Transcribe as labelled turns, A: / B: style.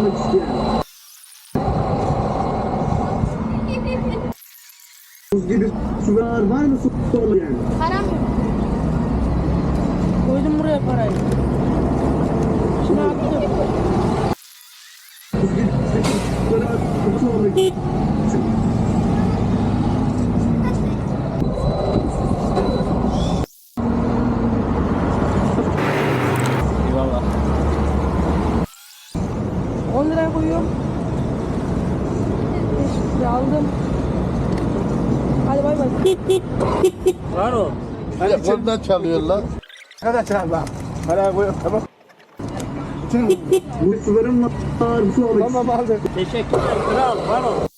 A: almak isteyen. Buz gibi sular var mı su olmayan?
B: Param yok. Koydum buraya parayı. Şimdi attım.
A: Buz gibi sular var su olmak isteyen.
C: Eyvallah.
B: 10 liraya koyuyorum. 5 lira aldım. Hadi bay bay.
C: Var o.
D: Telefondan çalıyor lan.
C: Arkadaşlar bak. Parayı koyuyor tamam.
A: Bu suların var su olmak isteyen.
C: Tamam aldım. Teşekkürler kral. Var o.